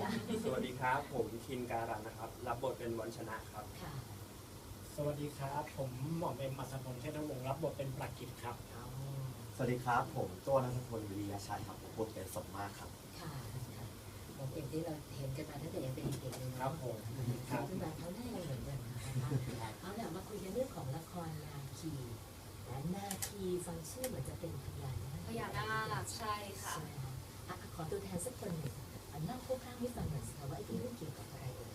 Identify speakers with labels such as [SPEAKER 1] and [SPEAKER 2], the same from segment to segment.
[SPEAKER 1] สวัสดีครับผมคินการันนะครับรับบทเป็นวันชนะครับ
[SPEAKER 2] ค่ะ
[SPEAKER 3] สวัสดีครับผมหม่อมเอ็มอัศพลเทพวงศ์รับบทเป็นปรากิจครับ
[SPEAKER 4] สวัสดีครับผมตัวนัทพลวิริยชัยครับผมบทเป็นสมมาครับ
[SPEAKER 2] ค่ะหม่อมเอ็มที่เราเห็นกันมาตั้งแต่ยังเป็นเด็กๆเลยนะครับ
[SPEAKER 3] ผม
[SPEAKER 2] ครับขึ้นมาเขาได้ยังเหมือนกันนะคะเอาล่ะมาคุยกันเรื่องของละครนาคีและนาคีฟังชื่อเหมือนจะเป็นพญานาค
[SPEAKER 5] ใช่ค่ะ
[SPEAKER 2] ขอตัวแทนสักคนหนึ่งเล่าคร่าวๆให้ฟังหน่อยสิคะว่าไอ้เรื่องเกี่ยวกับอะไรเอ่ย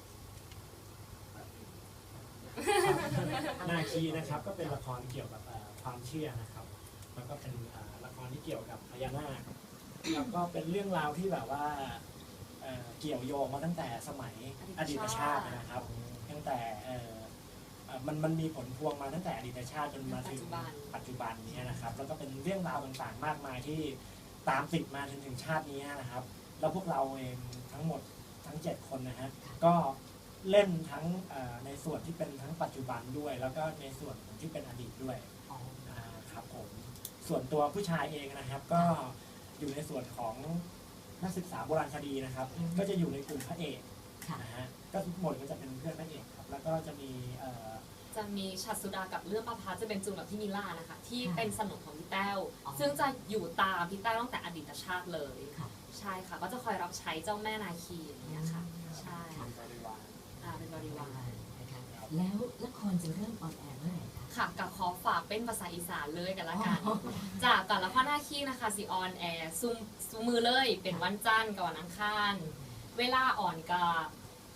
[SPEAKER 3] นาคีนะครับก็เป็นละครเกี่ยวกับความเชื่อนะครับแล้วก็เป็นละครที่เกี่ยวกับพญานาคแล้วก็เป็นเรื่องราวที่แบบว่าเกี่ยวโยงมาตั้งแต่สมัยอดีตชาตินะครับตั้งแต่มันมีผลพวงมาตั้งแต่อดีตชาติจนมาถึงปัจจุบันนี้นะครับแล้วก็เป็นเรื่องราวต่างๆมากมายที่ตามติดมาถึงชาตินี้นะครับแล้วพวกเราเองทั้งหมดทั้ง7คนนะฮะก็เล่นทั้งในส่วนที่เป็นทั้งปัจจุบันด้วยแล้วก็ในส่วนที่เป็นอดีตด้วยครับผมส่วนตัวผู้ชายเองนะครับก็อยู่ในส่วนของนักศึกษาโบราณคดีนะครับก็จะอยู่ในกลุ่มพระเอกนะฮะก็ทุกหมดก็จะเป็นเพื่อนพระเอกครับแล้วก็จะมี
[SPEAKER 5] ฉัตรสุดากับเรื่องประพาจะเป็นจูนกับพี่มิล่านะคะที่เป็นสนุกของพี่แต้วซึ่งจะอยู่ตามพี่แต้วตั้งแต่อดีตชาติเลยใช่ค่ะก็จะคอยรับใช้เจ้าแม่นาคีอย่างเงี้ยค่ะใช่เป็นบริวาร
[SPEAKER 2] นะคะแล้วละครจะเริ่มออนแอร์เมื่อไหร่คะ
[SPEAKER 5] ค่ะกับขอฝากเป็นภาษาอีสานเลยกันละกันจากแต่ละข้อนาคีนะคะสิออนแอร์ซูมือเลยเป็นวันจันทร์กับวันอังคารเวลาอ่อนกับ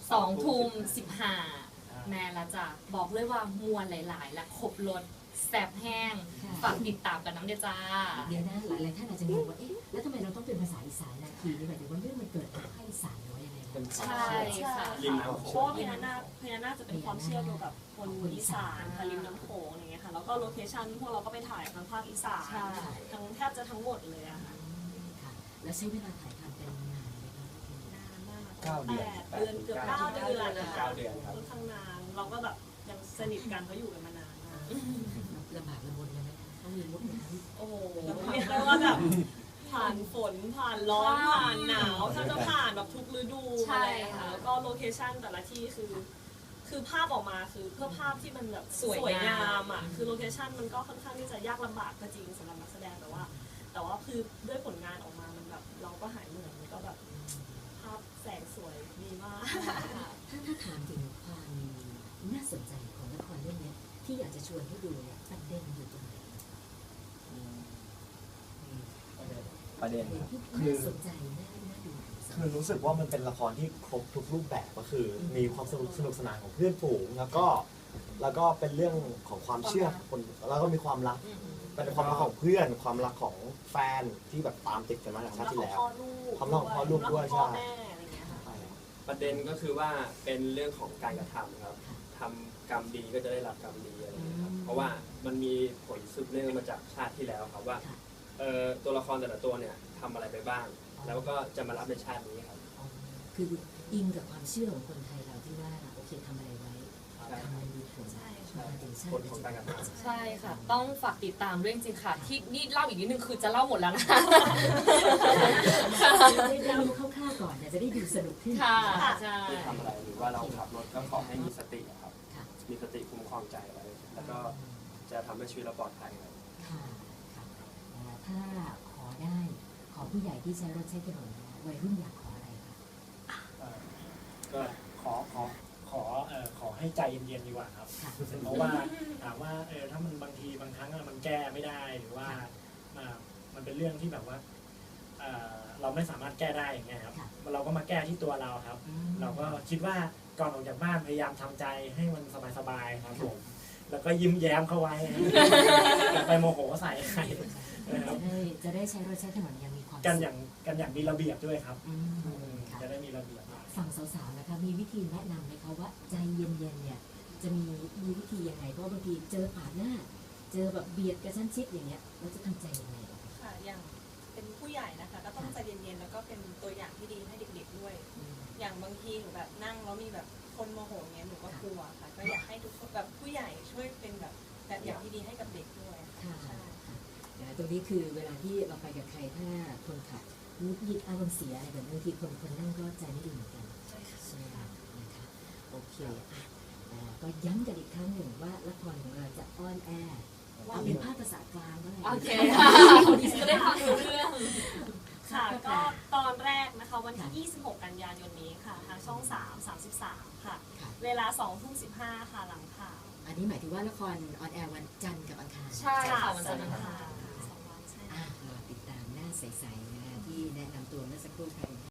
[SPEAKER 5] 20:15แม่ละจ้ะบอกเลยว่ามวลหลายๆและครบรสแซ่บแห้งฝากติดตามกันน้ำเดียจ้า
[SPEAKER 2] เดี๋ยวนะหลายๆท่านอาจจะงงว่าเอ๊ะแล้วทำไมเราต้องเป็นภาษาอีสานนาคีนี่หมายถึงว่าเรื่องมันเกิดจากภาคอีสานหรือว่ายังไง
[SPEAKER 5] ใช่ค่ะ
[SPEAKER 6] เพราะว่าพญานาคจะเป็นความเชื่อเกี่ยวกับคนอีสานค่ะริมน้ำโขงอย่างเงี้ยค่ะแล้วก็โลเคชั่นพวกเราก็ไปถ่ายทางภาคอีสานทั้งแทบจะทั้งหมดเลยอะค่ะ
[SPEAKER 2] แล้วใช้เวลาถ่ายทำเป็นนานไหมคะ
[SPEAKER 6] นานมาก
[SPEAKER 4] 9 เดือน
[SPEAKER 6] เกือบ9 เดือนนะคะ
[SPEAKER 1] 9 เดือนครับ
[SPEAKER 6] ค่อนข้างนานเราก็แบบยังสนิทกันเพราะอยู่กันมานานมาก
[SPEAKER 2] ลำบากลำบนเลยไหมต้องมีมุดน้
[SPEAKER 6] ำโอ้โหเรียกได้ว่าแบบผ่านฝนผ่านร้อนผ่านหนาวถ้าจะผ่านแบบทุกฤดูอะไรค่ะแล้วก็โลเคชั่นแต่ละที่คือภาพออกมาคือเพื่อภาพที่มันแบบสวยงามอ่ะคือโลเคชั่นมันก็ค่อนข้างที่จะยากลำบากก็จริงสำหรับนักแสดงแต่ว่าคือด้วยผลงานออกมามันแบบเราก็หายเหนื่อยมันก็แบบภาพแสงสวยดีมาก
[SPEAKER 2] ถ้าถามถึงความน่าสนใจของละครเรื่องนี้ที่อยากจะชวนให้ดูเนี่ยประเด็นอยู่ตรงไหน
[SPEAKER 4] ประเด็น
[SPEAKER 2] คือน่าสนใจน่าดู
[SPEAKER 4] คือรู้สึกว่ามันเป็นละครที่ครบทุกรูปแบบก็คือมีความสนุกสนานของเพื่อนฝูงแล้วก็เป็นเรื่องของความเชื่อคนแล้วก็มีความรักเป็นความรักของเพื่อนความรักของแฟนที่แบบตามติดกันมาจากชาติที่แล้วความรักของพ่อลูกด้วยใช่
[SPEAKER 1] ประเด็นก็คือว่าเป็นเรื่องของการกระทำครับทำกรรมดีก็จะได้รับกรรมดีอะไรอย่างนี้ครับเพราะว่ามันมีผลสืบเนื่องมาจากชาติที่แล้วครับว่าตัวละครแต่ละตัวเนี่ยทำอะไรไปบ้างแล้วก็จะมารับในชาตินี้ครับ
[SPEAKER 2] คืออิงกับความเชื่อของคนไทยเราที่ว่าโอเคทำอะไรไว้ทำอะไรมีผล
[SPEAKER 1] ผลของการกระทำ
[SPEAKER 5] ใช่ค่ะต้องฝากติดตามด้วยจริงๆค่ะที่นี่เล่าอีกนิดนึงคือจะเล่าหมดแล้วนะ
[SPEAKER 2] เราดูคร่าวๆก่อนจะได้ดูสนุกขึ้น
[SPEAKER 5] ค่ะ
[SPEAKER 1] ที่ทำอะไรหรือว่าเราขับรถก็ขอให้มีสติครับมีสติคุ้มครองใจไว้แล้วก็จะทำให้ชีวิตเราปลอดภัยครับ
[SPEAKER 2] ถ้าขอได้ขอผู้ใหญ่ที่ใช้รถใช้ถนนวัยรุ่นอยากขออะไรคะ
[SPEAKER 3] ก็ขอให้ใจเย็นๆดีกว่าครับเพราะว่าถามว่าถ้ามันบางทีบางครั้งมันแก้ไม่ได้หรือว่ามันเป็นเรื่องที่แบบว่าเราไม่สามารถแก้ได้อย่างเงี้ยครับเราก็มาแก้ที่ตัวเราครับเราก็คิดว่าก่อนออกจากบ้านพยายามทำใจให้มันสบายๆครับผมแล้วก็ยิ้มแย้มเข้าไว้อย่าไปโมโหใส่ใคร
[SPEAKER 2] จะได้ใช้รถใช้ถนนอย่างมีความ
[SPEAKER 3] กันอย่างมีระเบียบด้วยครับจะได้มีระเบียบ
[SPEAKER 2] ฝั่งสาวๆนะคะมีวิธีแนะนำไหมคะว่าใจเย็นๆเนี่ยจะมีวิธียังไงเพราะบางทีเจอปาดหน้าเจอแบบเบียดกระชั้นชิดอย่างเงี้ยเราจะทำใจยังไง
[SPEAKER 6] ค่ะอย่างเป็นผู้ใหญ่นะคะก็ต้องใจเย็นๆแล้วก็เป็นตัวอย่างที่ดีให้เด็กๆด้วยอย่างบางทีหนูแบบนั่งแล้วมีแบบคนโมโหเงี้ยหนูก็กลัวค่ะก็อยากให้ทุกคนแบบผู้ใหญ่ช่วยเป็นแบบอย่างที่ดีให้กับเด็กด้วย
[SPEAKER 2] ค่ะตรงนี้คือเวลาที่เราไปกับใครถ้าคนขับหงุดหงิดอารมณ์เสียอะไรแบบนี้บางทีคนนั่งก็ใจไม่ดีเหมือนกันใช่ไหมคะนะคะโอเคก็ย้ำกันอีกครั้งหนึ่งว่าละครของเราจะออนแอร์เอาเป็นภาคภาษากลางก็ได้
[SPEAKER 5] โอเคค่ะจะได้ฟังรู้เรื่อง
[SPEAKER 6] ค่ะก็ตอนแรกนะคะวันที่ 26 กันยายนนี้ค่ะทางช่อง 33 ค่ะ เวลา 20:15 ค่ะหลังข่าว
[SPEAKER 2] อันนี้หมายถึงว่าละครออนแอร์วันจันทร์กับอังคาร
[SPEAKER 5] ใช่ค่ะวันจันทร์
[SPEAKER 6] อั
[SPEAKER 5] อั
[SPEAKER 6] ง
[SPEAKER 5] ง
[SPEAKER 6] คา
[SPEAKER 5] คาร ร
[SPEAKER 6] ค่ะ2 วันใช่
[SPEAKER 2] รอติดตามหน้าใสๆนะคะที่แนะนำตัวเมื่อสักครู่ค่ะ